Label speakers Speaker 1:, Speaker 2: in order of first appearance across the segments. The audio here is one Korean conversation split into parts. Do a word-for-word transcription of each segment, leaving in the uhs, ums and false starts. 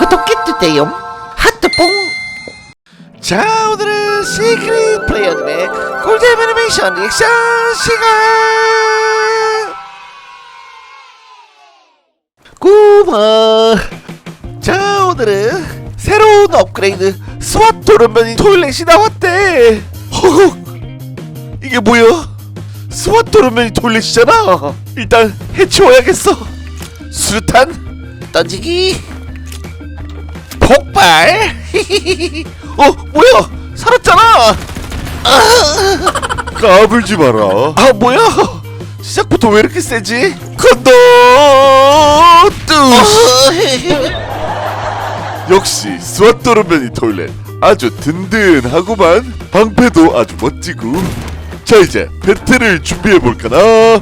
Speaker 1: 구독해주세요. 하트뽕. 자, 오늘은 시크릿 플레이어님의 꿀잼 애니메이션 리액션 시간. 고마. 자, 오늘은 새로운 업그레이드 스왓 도련변이 토일렛이 나왔대. 허걱, 이게 뭐야? 스왓 도련변이 토일렛이잖아. 일단 해치워야겠어. 수류탄 던지기, 폭발. 어, 뭐야? 살았잖아. 아, 까불지 마라. 아, 뭐야? 시작부터 왜 이렇게 세지? 간다. 뜨시. 역시 스왓 도련변이 토일렛 아주 든든하구만. 방패도 아주 멋지고. 자, 이제 배틀을 준비해볼까나.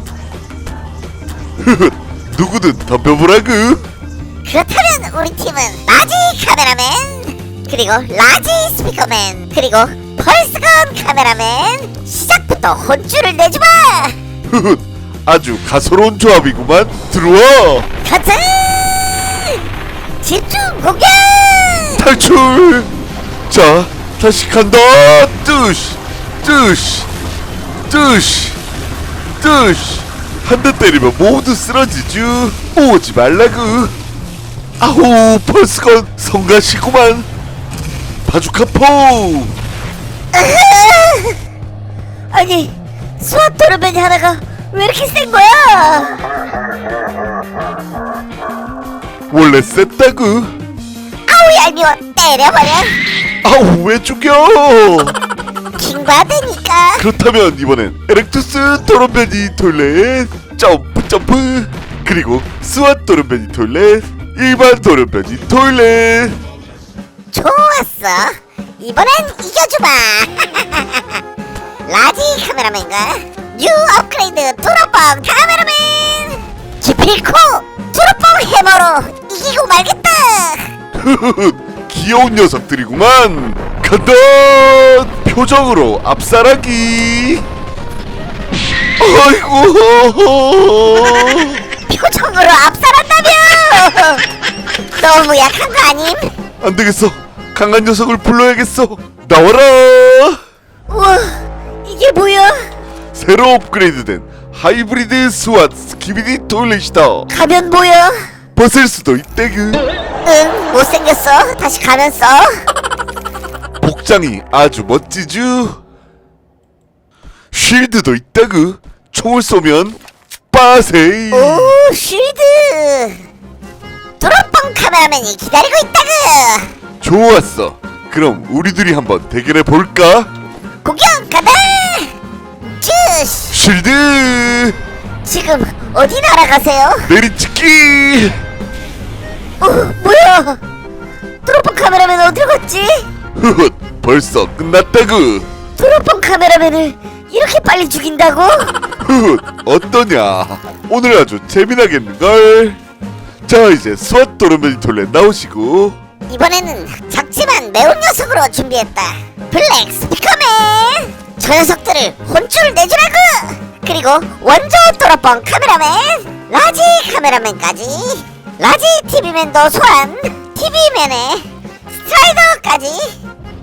Speaker 1: 누구든 덤벼보라구.
Speaker 2: 그렇다면 우리 팀은 라지 카메라맨, 그리고 라지 스피커맨, 그리고 펄스건 카메라맨. 시작부터 혼쭐을 내주마.
Speaker 1: 아주 가소로운 조합이구만. 들어와.
Speaker 2: 가자. 집중 공격.
Speaker 1: 탈출. 자, 다시 간다. 뜨시 뜨시 뜨시 뜨시. 한 대 때리면 모두 쓰러지쥬. 오지 말라구. 아우, 펄스건 성가시구만. 바주카포.
Speaker 2: 아니, 스왓 도련변이 하나가 왜 이렇게 센 거야?
Speaker 1: 원래 셌다구.
Speaker 2: 아우, 얄미워. 때려버려.
Speaker 1: 아우, 왜 죽여?
Speaker 2: 킹받으니까.
Speaker 1: 그렇다면 이번엔 에렉투스 도련변이 토일렛 점프 점프, 그리고 스왓 도련변이 토일렛 일반 도련변이 토일렛.
Speaker 2: 좋았어. 이번엔 이겨주마. 라지 카메라맨과 뉴 업그레이드 도로뻥 카메라맨. 기필코 도로뻥 해머로 이기고 말겠다.
Speaker 1: 귀여운 녀석들이구만. 간다. 표정으로 압살하기. 아이고.
Speaker 2: 표정으로 압살한다며. 너무 약한 거 아님?
Speaker 1: 안 되겠어. 강한 녀석을 불러야겠어. 나와라.
Speaker 2: 우와, 이게 뭐야?
Speaker 1: 새로 업그레이드된 하이브리드 스왓 스키비디 토일렛이다.
Speaker 2: 가면 뭐야?
Speaker 1: 벗을 수도 있대그.
Speaker 2: 응, 못생겼어. 다시 가면 써.
Speaker 1: 복장이 아주 멋지쥬. 쉴드도 있다그. 총을 쏘면 빠세이.
Speaker 2: 오, 쉴드. 도로뻥 카메라맨이 기다리고 있다구.
Speaker 1: 좋았어. 그럼 우리 둘이 한번 대결해 볼까?
Speaker 2: 공격 가다. 쭈시.
Speaker 1: 쉴드
Speaker 2: 지금 어디 날아가세요?
Speaker 1: 내리찍기.
Speaker 2: 어, 뭐야? 도로뻥 카메라맨 어디로 갔지?
Speaker 1: 흐흐, 벌써 끝났다구.
Speaker 2: 도로뻥 카메라맨을 이렇게 빨리 죽인다고?
Speaker 1: 흐흐, 어떠냐? 오늘 아주 재미나겠는걸? 자, 이제 스왓 도련변이 토일렛 나오시고.
Speaker 2: 이번에는 작지만 매운 녀석으로 준비했다. 블랙 스피커맨. 저 녀석들을 혼쭐 내주라고. 그리고 원조 도로뻥 카메라맨, 라지 카메라맨까지, 라지 티비맨도 소환. 티비맨의 스트라이더까지.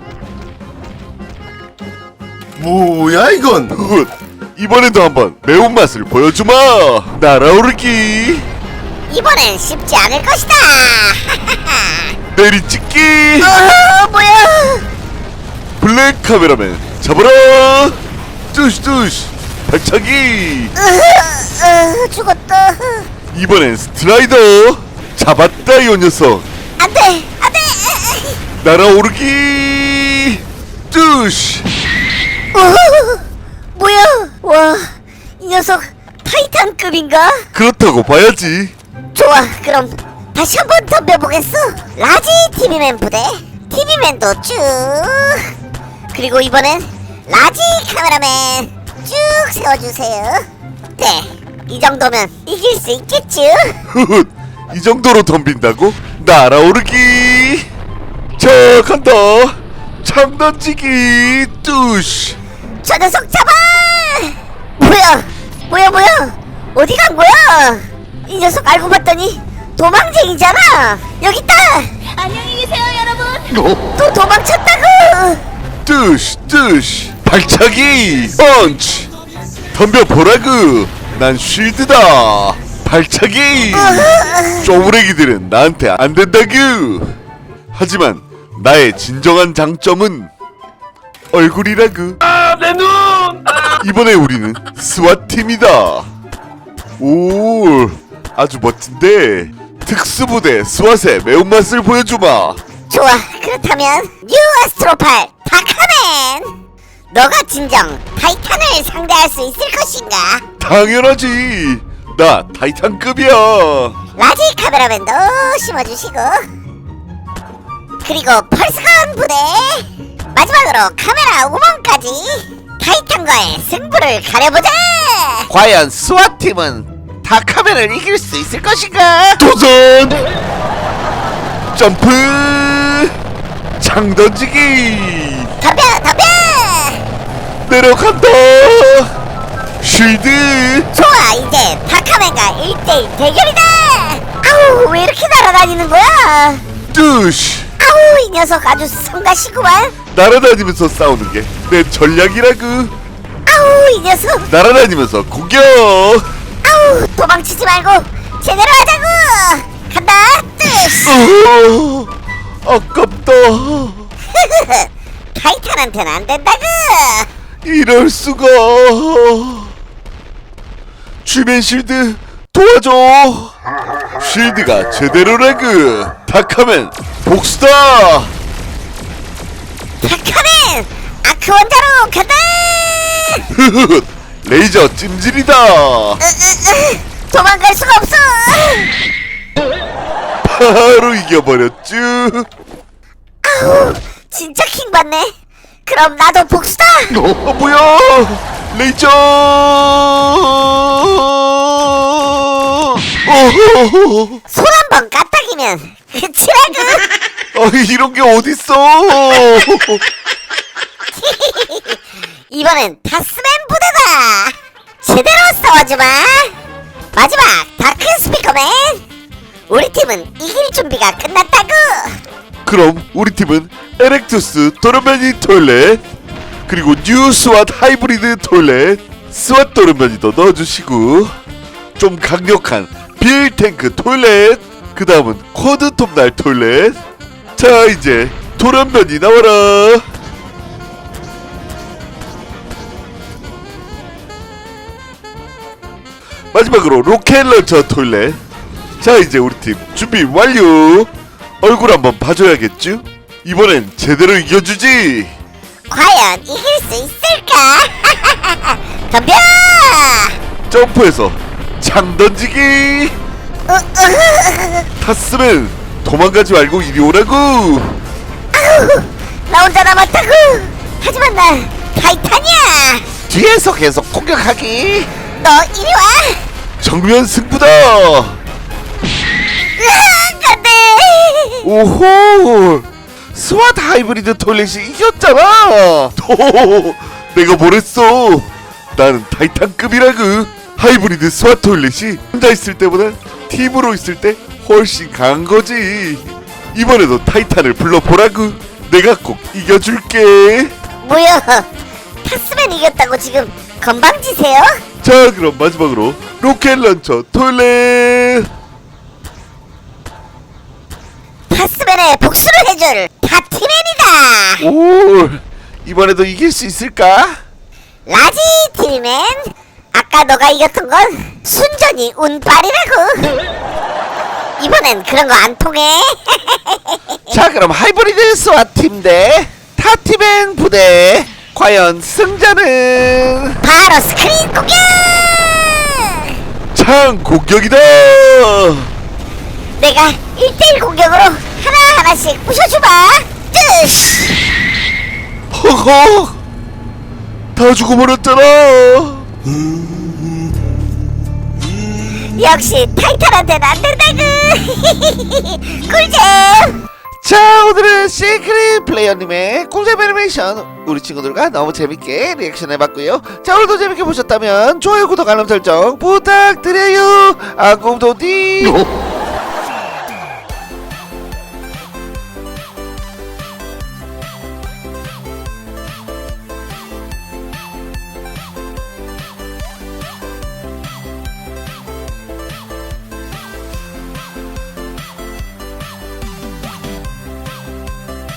Speaker 1: 뭐야 이건? 흐흐, 이번에도 한번 매운맛을 보여주마. 날아오르기.
Speaker 2: 이번엔 쉽지 않을 것이다.
Speaker 1: 내리찍기.
Speaker 2: 어, 뭐야?
Speaker 1: 블랙 카메라맨 잡아라. 뚜시 뚜시. 발차기.
Speaker 2: 으, 으, 죽었다.
Speaker 1: 이번엔 스트라이더. 잡았다 이 녀석.
Speaker 2: 안돼, 안돼.
Speaker 1: 날아오르기. 뚜시.
Speaker 2: 어, 뭐야? 와, 이 녀석 타이탄급인가?
Speaker 1: 그렇다고 봐야지.
Speaker 2: 좋아, 그럼 다시 한번 덤벼보겠어. 라지 티비맨 부대, 티비맨도 쭉. 그리고 이번엔 라지 카메라맨 쭉 세워주세요. 네, 이 정도면 이길 수 있겠죠?
Speaker 1: 흐흐, 이 정도로 덤빈다고? 날아오르기. 자, 간다. 창 던지기. 뚜시.
Speaker 2: 저 녀석 잡아! 뭐야? 뭐야 뭐야? 어디 간 거야? 이 녀석 알고 봤더니 도망쟁이잖아. 여기 있다.
Speaker 3: 안녕히
Speaker 2: 또 도망쳤다고.
Speaker 1: 뜨시 뜨시 발차기 펀치 덤벼보라구. 난 쉴드다. 발차기. 쪼부레기들은 나한테 안된다구. 하지만 나의 진정한 장점은 얼굴이라구.
Speaker 3: 아, 내 눈! 아!
Speaker 1: 이번에 우리는 스왓팀이다. 오, 아주 멋진데. 특수부대 스왓의 매운맛을 보여주마.
Speaker 2: 좋아, 그렇다면 뉴 아스트로팔 다카맨, 너가 진정 타이탄을 상대할 수 있을 것인가?
Speaker 1: 당연하지. 나 타이탄급이야.
Speaker 2: 라지 카메라맨도 심어주시고, 그리고 펄스건 부대, 마지막으로 카메라 우먼까지 타이탄과의 승부를 가려보자.
Speaker 4: 과연 스와팀은 다카맨을 이길 수 있을 것인가?
Speaker 1: 도전. 점프. 창 던지기.
Speaker 2: 덤벼 덤벼.
Speaker 1: 내려간다. 쉴드.
Speaker 2: 좋아, 이제 다카맨과 일 대일 대결이다. 아우, 왜 이렇게 날아다니는 거야?
Speaker 1: 뜨시.
Speaker 2: 아우, 이 녀석 아주 성가시구만.
Speaker 1: 날아다니면서 싸우는 게 내 전략이라구.
Speaker 2: 아우, 이 녀석.
Speaker 1: 날아다니면서 공격.
Speaker 2: 아우, 도망치지 말고 제대로 하자고. 간다. 뜨시.
Speaker 1: 어, 아깝다.
Speaker 2: 타이탄한테는 안 된다고.
Speaker 1: 이럴 수가. 주변 쉴드 도와줘. 쉴드가 제대로라구. 다카맨 복수다.
Speaker 2: 다카맨 아크 원자로 간다.
Speaker 1: 레이저 찜질이다.
Speaker 2: 으, 으, 으, 도망갈 수가 없어.
Speaker 1: 바로 이겨버렸쥬.
Speaker 2: 아우, 진짜 킹 받네. 그럼 나도 복수다.
Speaker 1: 어 뭐야? 레이저. 어허허허.
Speaker 2: 손 한 번 까딱이면 끝이라고.
Speaker 1: 아 이런 게 어딨어?
Speaker 2: 이번엔 타스맨 부대다. 제대로 싸워주마. 마지막 다크 스피커맨, 우리 팀은 이길 준비가 끝났다고.
Speaker 1: 그럼 우리 팀은 에렉투스 도르메니 토일렛, 그리고 뉴 스왓 하이브리드 토일렛, 스왓 도르메니도 넣어주시고, 좀 강력한 빌 탱크 토일렛, 그 다음은 쿼드 톱날 토일렛. 자 이제 도련변이 나와라. 마지막으로 로켓 런처 토일렛. 자 이제 우리 팀 준비 완료. 얼굴 한번 봐줘야겠죠? 이번엔 제대로 이겨주지.
Speaker 2: 과연 이길 수 있을까? 덤벼.
Speaker 1: 점프해서 창 던지기.
Speaker 2: 으, 으,
Speaker 1: 탔으면 도망가지 말고 이리 오라고.
Speaker 2: 아우, 나 혼자 남았다고. 하지만 난 타이탄이야.
Speaker 4: 뒤에서 계속 공격하기.
Speaker 2: 너 이리 와.
Speaker 1: 정면 승부다.
Speaker 2: 으악, 안돼.
Speaker 1: 오호.
Speaker 4: 스왓 하이브리드 토일렛이 이겼잖아.
Speaker 1: 오, 내가 뭐랬어? 나는 타이탄급이라고. 하이브리드 스왓 토일렛이 혼자 있을 때보다 팀으로 있을 때 훨씬 강한 거지. 이번에도 타이탄을 불러보라고. 내가 꼭 이겨줄게.
Speaker 2: 뭐야? 타스맨 이겼다고 지금 건방지세요?
Speaker 1: 자 그럼 마지막으로 로켓 런처 토일렛.
Speaker 2: 타스맨의 복수를 해줄 타티맨이다.
Speaker 4: 오, 이번에도 이길 수 있을까?
Speaker 2: 라지 티비맨, 아까 너가 이겼던 건 순전히 운빨이라고. 이번엔 그런 거 안 통해.
Speaker 4: 자, 그럼 하이브리드 스와팀 대 타티맨 부대, 과연 승자는?
Speaker 2: 바로 스크린 공격.
Speaker 1: 창 공격이다.
Speaker 2: 내가 일 대일 공격으로 하나하나씩 부셔주마. 뜨시.
Speaker 1: 허허, 다 죽어버렸잖아.
Speaker 2: 역시 타이탄한테는 안 된다구. 꿀잼.
Speaker 4: 자, 오늘은 시크릿 플레이어님의 꿀잼 애니메이션 우리 친구들과 너무 재밌게 리액션 해봤고요. 자, 오늘도 재밌게 보셨다면 좋아요, 구독, 알람 설정 부탁드려요. 아꿈도디.